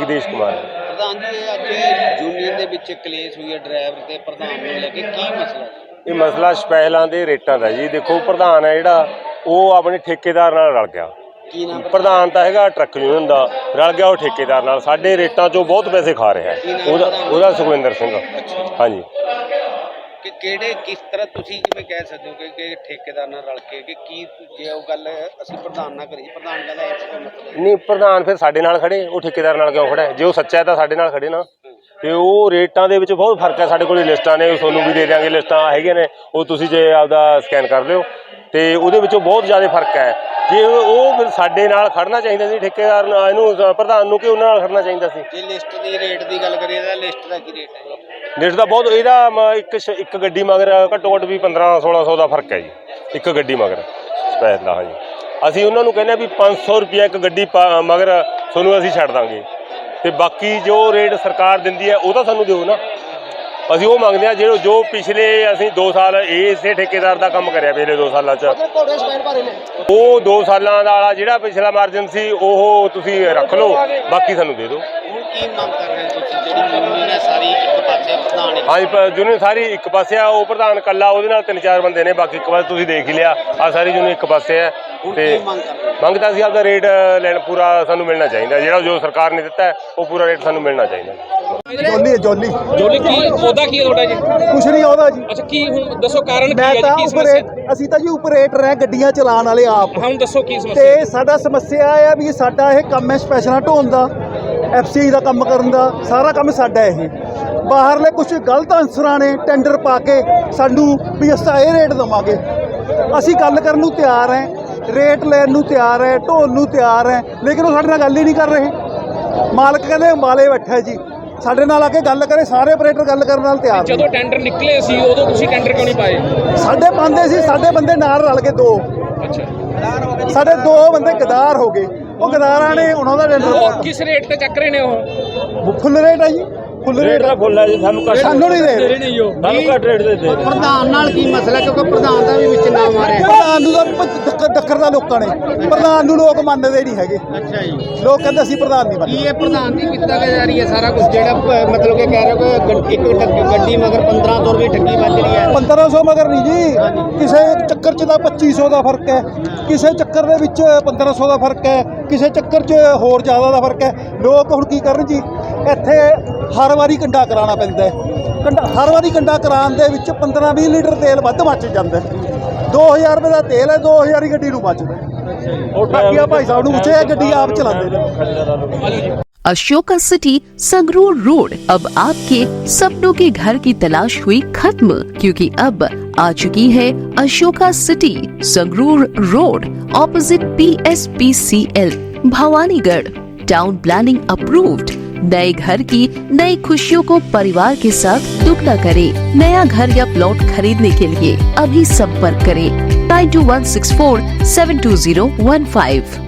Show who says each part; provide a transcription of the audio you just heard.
Speaker 1: ਜਗਦੀਸ਼ ਕੁਮਾਰ।
Speaker 2: ਪ੍ਰਧਾਨ ਜੀ ਅੱਜ ਯੂਨੀਅਨ ਦੇ ਵਿੱਚ ਕਲੇਸ਼ ਹੋਈ ਹੈ ਡਰਾਈਵਰ ਤੇ ਪ੍ਰਧਾਨ ਨੂੰ ਲੈ ਕੇ, ਕੀ ਮਸਲਾ ਜੀ?
Speaker 1: ਇਹ ਮਸਲਾ ਸਪੈਸ਼ਲਾਂ ਦੇ ਰੇਟਾਂ ਦਾ ਜੀ। ਦੇਖੋ ਪ੍ਰਧਾਨ ਹੈ ਜਿਹੜਾ ਉਹ ਆਪਣੇ ਠੇਕੇਦਾਰ ਨਾਲ ਰਲ ਗਿਆ।
Speaker 2: ਕੀ ਨਾਮ?
Speaker 1: ਪ੍ਰਧਾਨ ਤਾਂ ਹੈਗਾ ਟਰੱਕ ਯੂਨੀਅਨ ਦਾ, ਰਲ ਗਿਆ ਉਹ ਠੇਕੇਦਾਰ ਨਾਲ। ਸਾਡੇ ਰੇਟਾਂ 'ਚੋਂ ਬਹੁਤ ਪੈਸੇ ਖਾ ਰਿਹਾ ਹੈ ਉਹਦਾ ਸੁਖਵਿੰਦਰ ਸਿੰਘ। ਹਾਂਜੀ।
Speaker 2: ਕਿ ਕਿਹੜੇ ਕਿਸ ਤਰ੍ਹਾਂ ਤੁਸੀਂ ਕਿਵੇਂ ਕਹਿ ਸਕਦੇ ਹੋ ਕਿ ਠੇਕੇਦਾਰ ਨਾਲ ਰਲ ਕੇ, ਕਿ ਕੀ ਜੇ ਉਹ ਗੱਲ ਅਸੀਂ ਪ੍ਰਧਾਨ ਨਾਲ ਕਰੀ, ਪ੍ਰਧਾਨ ਕਹਿੰਦਾ ਇਸ ਦਾ ਮਤਲਬ
Speaker 1: ਨਹੀਂ, ਪ੍ਰਧਾਨ ਫਿਰ ਸਾਡੇ ਨਾਲ ਖੜੇ, ਉਹ ਠੇਕੇਦਾਰ ਨਾਲ ਕਿਉਂ ਖੜਾ ਹੈ? ਜੇ ਉਹ ਸੱਚਾ ਹੈ ਤਾਂ ਸਾਡੇ ਨਾਲ ਖੜੇ ਨਾ। ਤੇ ਉਹ ਰੇਟਾਂ ਦੇ ਵਿੱਚ ਬਹੁਤ ਫਰਕ ਹੈ। ਸਾਡੇ ਕੋਲ ਲਿਸਟਾਂ ਨੇ, ਤੁਹਾਨੂੰ ਵੀ ਦੇ ਦਿਆਂਗੇ, ਲਿਸਟਾਂ ਹੈਗੀਆਂ ਨੇ, ਉਹ ਤੁਸੀਂ ਜੇ ਆਪਦਾ ਸਕੈਨ ਕਰ ਲਿਓ। ਤੇ ਉਹਦੇ ਵਿੱਚੋਂ ਬਹੁਤ ਜ਼ਿਆਦਾ ਫਰਕ ਹੈ। ਜੇ ਉਹ ਫਿਰ ਸਾਡੇ ਨਾਲ ਖੜਨਾ ਚਾਹੀਦਾ ਸੀ ਠੇਕੇਦਾਰ ਨਾਲ, ਇਹਨੂੰ ਪ੍ਰਧਾਨ ਨੂੰ, ਕਿ ਉਹਨਾਂ ਨਾਲ ਖੜਨਾ ਚਾਹੀਦਾ ਸੀ।
Speaker 2: ਜੇ ਲਿਸਟ ਦੀ ਰੇਟ ਦੀ ਗੱਲ ਕਰੀਏ ਤਾਂ ਲਿਸਟ ਦਾ ਕੀ ਰੇਟ ਹੈ ਜੀ?
Speaker 1: ਲਿਸਟ ਦਾ ਬਹੁਤ, ਇਹਦਾ ਇੱਕ ਗੱਡੀ ਮਗਰ ਘੱਟੋ ਘੱਟ ਵੀ 1500-1600 ਦਾ ਫਰਕ ਹੈ ਜੀ, ਇੱਕ ਗੱਡੀ ਮਗਰ ਸਪੈਸ਼ਲ ਦਾ। ਹਾਂਜੀ, ਅਸੀਂ ਉਹਨਾਂ ਨੂੰ ਕਹਿੰਦੇ ਵੀ 500 ਰੁਪਇਆ ਇੱਕ ਗੱਡੀ ਮਗਰ ਤੁਹਾਨੂੰ ਅਸੀਂ ਛੱਡ ਦਾਂਗੇ, ਤੇ ਬਾਕੀ ਜੋ ਰੇਟ ਸਰਕਾਰ ਦਿੰਦੀ ਹੈ ਉਹ ਤਾਂ ਸਾਨੂੰ ਦਿਓ ਨਾ। ਅਸੀਂ ਉਹ ਮੰਗਦੇ ਹਾਂ ਜੋ ਪਿਛਲੇ ਅਸੀਂ 2 ਸਾਲ ਇਸੇ ਠੇਕੇਦਾਰ ਦਾ ਕੰਮ ਕਰਿਆ, ਪਿਛਲੇ 2 ਸਾਲਾਂ 'ਚ ਉਹ 2 ਸਾਲਾਂ ਦਾ ਜਿਹੜਾ ਪਿਛਲਾ ਮਾਰਜਨ ਸੀ ਉਹ ਤੁਸੀਂ ਰੱਖ ਲਓ, ਬਾਕੀ ਸਾਨੂੰ ਦੇ ਦਿਓ।
Speaker 2: ਹੁਣ ਕੀ ਮੰਗ ਕਰ ਰਹੇ ਤੁਸੀਂ? ਜਿਹੜੀ ਯੂਨੀਅਨ ਹੈ ਸਾਰੀ ਇੱਕ ਪਾਸੇ, ਪ੍ਰਧਾਨ
Speaker 1: ਹਾਂਜੀ, ਯੂਨੀਅਨ ਸਾਰੀ ਇੱਕ ਪਾਸੇ ਆ। ਉਹ ਪ੍ਰਧਾਨ ਇਕੱਲਾ, ਉਹਦੇ ਨਾਲ 3-4 ਬੰਦੇ ਨੇ, ਬਾਕੀ ਇੱਕ ਵਾਰ ਤੁਸੀਂ ਦੇਖ ਹੀ ਲਿਆ, ਆ ਸਾਰੀ ਯੂਨੀਅਨ ਇੱਕ ਪਾਸੇ ਹੈ। ਤੇ ਮੰਗ ਤਾਂ ਅਸੀਂ ਆਪਦਾ ਰੇਟ ਲੈਣ ਪੂਰਾ ਸਾਨੂੰ ਮਿਲਣਾ ਚਾਹੀਦਾ, ਜਿਹੜਾ ਜੋ ਸਰਕਾਰ ਨੇ ਦਿੱਤਾ ਉਹ ਪੂਰਾ ਰੇਟ ਸਾਨੂੰ ਮਿਲਣਾ ਚਾਹੀਦਾ।
Speaker 3: ਜੋਲੀ
Speaker 4: ਕੀ ਉਹਦਾ ਕੀ ਹੈ ਤੁਹਾਡਾ ਜੀ?
Speaker 3: ਕੁਛ ਨਹੀਂ ਉਹਦਾ ਜੀ।
Speaker 4: ਅੱਛਾ, ਕੀ ਹੁਣ ਦੱਸੋ ਕਾਰਨ ਕੀ ਹੈ ਜੀ? ਕੀ
Speaker 3: ਸਮੱਸਿਆ? ਅਸੀਂ ਤਾਂ ਜੀ ਆਪਰੇਟਰ ਹੈ, ਗੱਡੀਆਂ ਚਲਾਉਣ ਵਾਲੇ ਆਪ।
Speaker 4: ਹੁਣ ਦੱਸੋ ਕੀ ਸਮੱਸਿਆ?
Speaker 3: ਤੇ ਸਾਡਾ ਸਮੱਸਿਆ ਇਹ ਆ ਵੀ ਸਾਡਾ ਇਹ ਕੰਮ ਹੈ ਸਪੈਸ਼ਲਾਂ ਢੋਣ ਦਾ, FCI ਦਾ ਕੰਮ ਕਰਨ ਦਾ, ਸਾਰਾ ਕੰਮ ਸਾਡਾ ਇਹ। ਬਾਹਰਲੇ ਕੁਝ ਗਲਤ ਅਨਸਰਾਂ ਨੇ ਟੈਂਡਰ ਪਾ ਕੇ ਸਾਨੂੰ ਵੀ ਅਸੀਂ ਇਹ ਰੇਟ ਦੇਵਾਂਗੇ। ਅਸੀਂ ਗੱਲ ਕਰਨ ਨੂੰ ਤਿਆਰ ਹੈ, ਰੇਟ ਲੈਣ ਨੂੰ ਤਿਆਰ ਹੈ, ਢੋਣ ਨੂੰ ਤਿਆਰ ਹੈ, ਲੇਕਿਨ ਉਹ ਸਾਡੇ ਨਾਲ ਗੱਲ ਹੀ ਨਹੀਂ ਕਰ ਰਹੇ। ਮਾਲਕ ਕਹਿੰਦੇ ਅੰਬਾਲੇ ਬੈਠਾ ਜੀ, ਸਾਡੇ ਨਾਲ ਆ ਕੇ ਗੱਲ ਕਰੇ। ਸਾਰੇ ਆਪਰੇਟਰ ਗੱਲ ਕਰਨ ਨਾਲ ਤਿਆਰ।
Speaker 4: ਜਦੋਂ ਟੈਂਡਰ ਨਿਕਲੇ ਸੀ ਉਦੋਂ ਤੁਸੀਂ ਟੈਂਡਰ ਕਿਉਂ ਨਹੀਂ ਪਾਏ?
Speaker 3: ਸਾਡੇ ਪਾਉਂਦੇ ਸੀ, ਸਾਡੇ ਬੰਦੇ ਨਾਲ ਰਲ ਕੇ 2।
Speaker 4: ਅੱਛਾ,
Speaker 3: ਸਾਡੇ 2 ਬੰਦੇ ਗਦਾਰ ਹੋ ਗਏ। ਉਹ ਗਦਾਰਾਂ ਨੇ ਉਹਨਾਂ ਦਾ ਟੈਂਡਰ ਪਾਤਾ।
Speaker 4: ਕਿਸ ਰੇਟ ਤੇ ਚੱਕ ਰਹੇ ਨੇ ਉਹ?
Speaker 3: ਫੁੱਲ ਰੇਟ ਹੈ ਜੀ, ਫੁੱਲ ਰੇਟ ਦਾ
Speaker 1: ਫੁੱਲ ਹੈ ਜੀ। ਸਾਨੂੰ
Speaker 3: ਨਹੀਂ ਦੇ ਰਹੇ,
Speaker 1: ਸਾਨੂੰ ਘੱਟ ਰੇਟ ਦੇ ਦੇ।
Speaker 2: ਪ੍ਰਧਾਨ ਨਾਲ ਕੀ ਮਸਲਾ? ਕਿਉਂਕਿ ਪ੍ਰਧਾਨ ਦਾ ਵੀ ਵਿੱਚ ਨਾਮ ਆ ਰਿਹਾ।
Speaker 3: ਪ੍ਰਧਾਨ ਨੂੰ ਤਾਂ ਦੱਖਰ ਦਾ ਲੋਕਾਂ ਨੇ, ਪ੍ਰਧਾਨ ਨੂੰ ਲੋਕ ਮੰਨਦੇ ਨਹੀਂ ਹੈਗੇ।
Speaker 2: ਅੱਛਾ ਜੀ,
Speaker 3: ਲੋਕ ਕਹਿੰਦੇ ਅਸੀਂ ਪ੍ਰਧਾਨ ਨਹੀਂ ਮੰਨਦੇ।
Speaker 2: ਕੀ ਇਹ ਪ੍ਰਧਾਨ ਦੀ ਕੀਤਾ ਜਾ ਰਹੀ ਹੈ ਸਾਰਾ ਕੁਝ, ਜਿਹੜਾ ਮਤਲਬ ਕਿ ਕਹਿ ਰਹੇ ਹੋ ਕਿ ਇੱਕ ਗੱਡੀ ਮਗਰ 1500 ਰੁਪਏ ਠੱਗੀ ਵੱਜ ਰਹੀ ਹੈ?
Speaker 3: 1500 ਮਗਰ ਨਹੀਂ ਜੀ, ਕਿਸੇ ਚੱਕਰ 'ਚ ਤਾਂ 2500 ਦਾ ਫਰਕ ਹੈ, ਕਿਸੇ ਚੱਕਰ ਦੇ ਵਿੱਚ 1500 ਦਾ ਫਰਕ ਹੈ, ਕਿਸੇ ਚੱਕਰ 'ਚ ਹੋਰ ਜ਼ਿਆਦਾ ਦਾ ਫਰਕ ਹੈ। ਲੋਕ ਹੁਣ ਕੀ ਕਰਨ ਜੀ, ਇੱਥੇ ਹਰ ਵਾਰੀ ਕੰਡਾ ਕਰਾਉਣਾ ਪੈਂਦਾ ਹੈ। ਹਰ ਵਾਰੀ ਕੰਡਾ ਕਰਾਉਣ ਦੇ ਵਿੱਚ 15-20 ਲੀਟਰ ਤੇਲ ਵੱਧ ਮੱਚ ਜਾਂਦਾ। 2000 ਰੁਪਏ ਦਾ ਤੇਲ ਹੈ, 2000 ਹੀ ਗੱਡੀ ਨੂੰ ਬਚਦਾ। ਬਾਕੀ ਭਾਈ ਸਾਹਿਬ ਨੂੰ ਪੁੱਛਿਆ, ਗੱਡੀ ਆਪ ਚਲਾਉਂਦੇ ਨੇ।
Speaker 5: अशोका सिटी संगरूर रोड अब आपके सपनों के घर की तलाश हुई खत्म, क्योंकि अब आ चुकी है Ashoka city Sangrur road opposite PSPCL Bhawanigarh. Town planning approved. नए घर की नई खुशियों को परिवार के साथ दुगना करें। नया घर या प्लॉट खरीदने के लिए अभी संपर्क करें 9216472015।